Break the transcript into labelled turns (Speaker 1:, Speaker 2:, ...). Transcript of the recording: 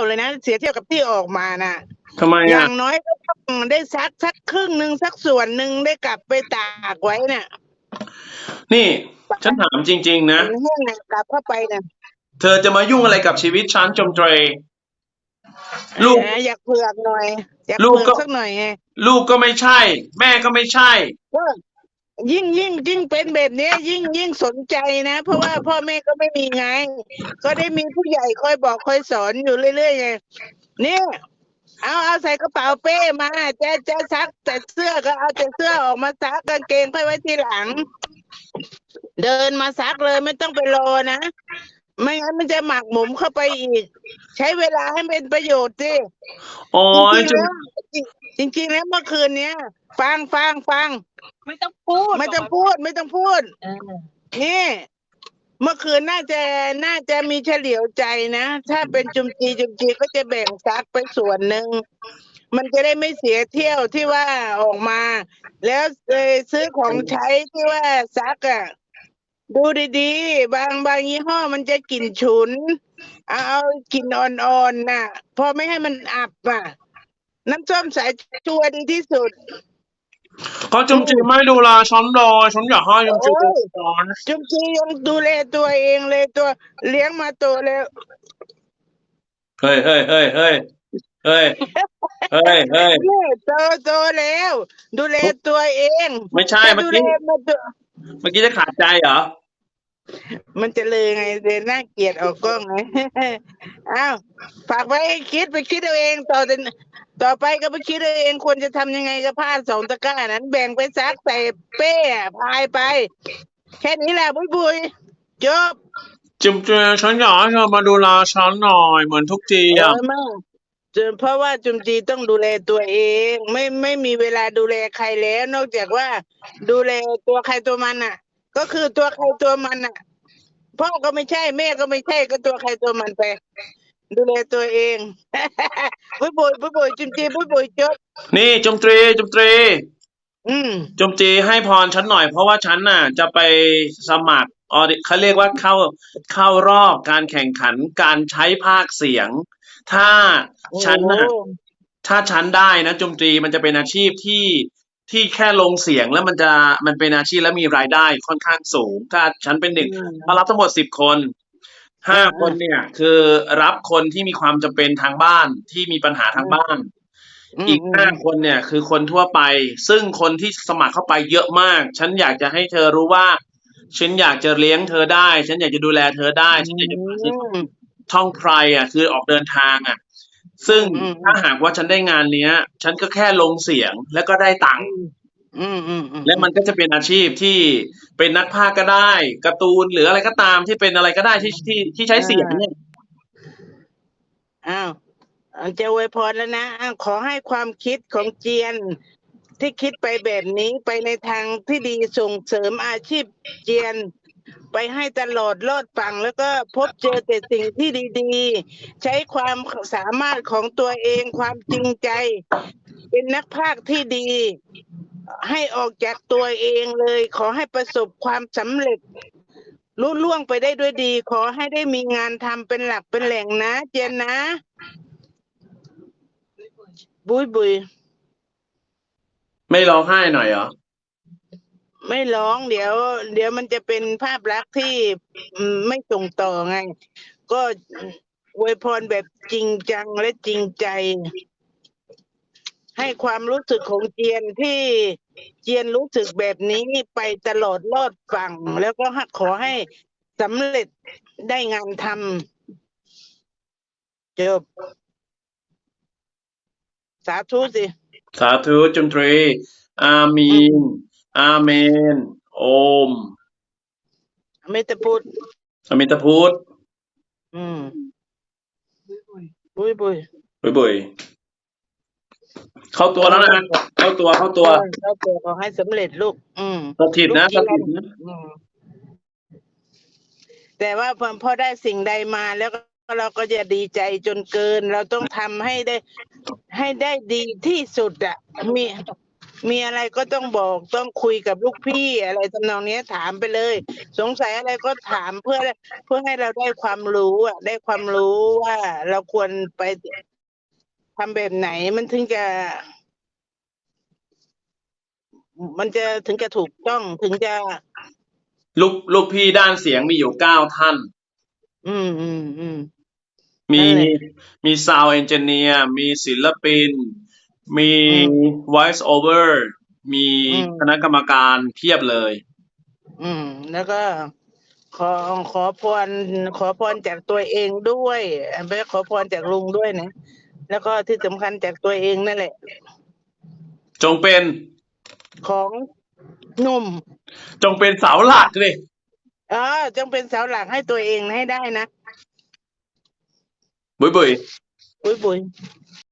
Speaker 1: เลยนะเสียเที่ยวกับที่ออกมานะ
Speaker 2: ทำไม
Speaker 1: อย่า
Speaker 2: อ่ะ
Speaker 1: งน้อยก็ต้องได้สักครึ่งหนึ่งสักส่วนหนึ่งได้กลับไปตากไว้เนี่ย
Speaker 2: นี่ฉันถามจริง ๆ นะ
Speaker 1: มันแห้งนะกลับเข้าไปเนี่ย
Speaker 2: เธอจะมายุ่งอะไรกับชีวิตฉันจมเตรลูก
Speaker 1: อยากเผือกหน่อยอยาก
Speaker 2: ลูก
Speaker 1: เผือก
Speaker 2: ก็
Speaker 1: สักหน่อยไง
Speaker 2: ลูกก็ไม่ใช่ แม่ก็ไม่ใช่
Speaker 1: ก็ยิ่งเป็นแบบเนี้ยยิ่งสนใจนะ เพราะว่าพ่อแม่ก็ไม่มีไง ก็ได้มีผู้ใหญ่คอยบอกคอยสอนอยู่เรื่อยๆไงเนี่ยเอาใส่กระเป๋าเป้มาจะซักแต่เสื้อก็เอาแต่เสื้อออกมาซักกางเกงค่อยไว้ทีหลัง เดินมาซักเลยไม่ต้องไปรอนะไม่งั้นมันจะหมักหมมเข้าไปอีก ใช้เวลาให้เป็นประโยชน์สิ
Speaker 2: โอ้ย
Speaker 1: จริงๆแล้วเมื่อคืนเนี้ยฟัง
Speaker 3: ไม่ต้องพูด
Speaker 1: ไม่ต้องพูด
Speaker 3: เออ
Speaker 1: นี่เมื่อคืนน่าจะมีเฉลียวใจนะ ถ้าเป็นจุมจีก็จะแบ่งซักไปส่วนหนึ่งมันจะได้ไม่เสียเที่ยวที่ว่าออกมา แล้วซื้อของใช้ที่ว่าซักอ่ะดูดีๆบางยี่ห้อมันจะกลิ่นฉุนเอากลิ่นอ่อนๆน่ะ พอไม่ให้มันอับอ่ะ น้ำส้มสายชัวดีที่สุด
Speaker 2: ก็จมจีไม่ดูแลฉันเลยฉันอยากให้จมจีดูแลฉัน
Speaker 1: จุมจียังดูแลตัวเองเลยตัวเลี้ยงมาโตแล้ว
Speaker 2: เฮ้ย
Speaker 1: นี่โตแล้ว ดูแลตัวเอง
Speaker 2: ไม่ใช่
Speaker 1: ถ้า
Speaker 2: เมื่อ
Speaker 1: ดูแล
Speaker 2: กี้
Speaker 1: มาตัว
Speaker 2: เมื่อกี้จะขาดใจเหรอ
Speaker 1: มันจะเลยไงเดินน่าเกลียดออกกล้องไง อ้าวฝากไว้ให้คิดไปคิดเอาเองต่อไปก็ไปคิดเอาเองควรจะทำยังไงกับผ้า2 ตะกร้านั้น แบ่งไปซักใส่เป้พายไป แค่นี้แหละบุยจบ
Speaker 2: จมจีฉันอยากให้เธอมาดูแลฉันหน่อยเหมือนทุกทีอ่ะ
Speaker 1: ไม่เพราะว่าจุมจีต้องดูแลตัวเอง ไม่มีเวลาดูแลใครแล้ว นอกจากว่าดูแลตัวใครตัวมันอ่ะ ก็คือตัวใครตัวมันอ่ะพ่อก็ไม่ใช่แม่ก็ไม่ใช่ก็ตัวใครตัวมันไป ดูแลตัวเอง บุยจุมจีบุยจบ
Speaker 2: นี่จมตรี
Speaker 1: อืม
Speaker 2: จมจีให้พรฉันหน่อยเพราะว่าฉันน่ะ จะไปสมัครเขาเรียกว่าเข้ารอบการแข่งขันการใช้ภาคเสียง ถ้าฉันน่ะ
Speaker 1: โอ้
Speaker 2: ถ้าฉันได้นะจมตรีมันจะเป็นอาชีพที่แค่ลงเสียงแล้วมันเป็นอาชีพและมีรายได้ค่อนข้างสูง ถ้าฉันเป็นหนึ่งมารับทั้งหมด10 คน5 คนเนี่ย คือรับคนที่มีความจำเป็นทางบ้านที่มีปัญหาทางบ้าน อีก5 คนเนี่ย คือคนทั่วไป ซึ่งคนที่สมัครเข้าไปเยอะมาก ฉันอยากจะให้เธอรู้ว่า ฉันอยากจะเลี้ยงเธอได้ ฉันอยากจะดูแลเธอได้ ฉันอยากจะพาเธอท่องไพรอ่ะ คือออกเดินทางอ่ะ ซึ่งถ้าหากว่าฉันได้งานเนี้ย ฉันก็แค่ลงเสียงแล้วก็ได้ตังค์และมันก็จะเป็นอาชีพที่เป็นนักพากย์ก็ได้การ์ตูนหรืออะไรก็ตามที่เป็นอะไรก็ได้ที่ใช้เสียงเนี่ย
Speaker 1: อ้าวจะอวยพรแล้วนะอ้าวขอให้ความคิดของเจียน ที่คิดไปแบบนี้ไปในทางที่ดีส่งเสริมอาชีพเจียน ไปให้ตลอดรอดฝั่งแล้วก็พบเจอแต่สิ่งที่ดีๆ ใช้ความสามารถของตัวเองความจริงใจ เป็นนักพากย์ที่ดี ให้ออกจากตัวเองเลย ขอให้ประสบความสำเร็จลุล่วงไปได้ด้วยดี ขอให้ได้มีงานทำเป็นหลักเป็นแหล่งนะ เจียนนะ บุย
Speaker 2: ไม่ร้องไห้หน่อยเหรอ
Speaker 1: ไม่ร้องเดี๋ยวมันจะเป็นภาพลักษณ์ที่ไม่ส่งต่อไง ก็อวยพรแบบจริงจังและจริงใจ ให้ความรู้สึกของเจียนที่เจียนรู้สึกแบบนี้ไปตลอดรอดฝั่ง แล้วก็ขอให้สำเร็จได้งานทำจบสาธุสิ
Speaker 2: สาธุจมตรี อามีน อาเมน โอม
Speaker 1: ไม่ตะพูด
Speaker 2: อมิตาพุทธ
Speaker 1: บุย
Speaker 2: บุยเข้าตัวแล้วนะเข้าตัว
Speaker 1: เข้าตัวขอให้สำเร็จลูก
Speaker 2: สถิตนะ
Speaker 1: ลูกเจียนแต่ว่าพอได้สิ่งใดมาแล้วก็เราก็จะดีใจจนเกิน เราต้องทำให้ได้ดีที่สุดอ่ะมีอะไรก็ต้องบอกต้องคุยกับลูกพี่อะไรทำนองเนี้ยถามไปเลย สงสัยอะไรก็ถามเพื่อให้เราได้ความรู้ได้ความรู้ว่าเราควรไปทำแบบไหนมันถึงจะถึงจะถูกต้องถึงจะ
Speaker 2: ลูกพี่ด้านเสียงมีอยู่9 ท่าน
Speaker 1: อืม
Speaker 2: มี
Speaker 1: นั่นแหละ
Speaker 2: มี sound engineer มีศิลปิน มี
Speaker 1: อืม
Speaker 2: voice over มี
Speaker 1: อืม
Speaker 2: คณะกรรมการเพียบเลย
Speaker 1: แล้วก็ขอขอพรจากตัวเองด้วยไปขอพรจากลุงด้วยนะแล้วก็ที่สำคัญจากตัวเองนั่นแหละ
Speaker 2: จงเป็น
Speaker 1: ของหนุ่ม
Speaker 2: จงเป็นเสาหลักเลย
Speaker 1: จงเป็นเสาหลักให้ตัวเองให้ได้นะ
Speaker 2: บุยบุย
Speaker 1: บุย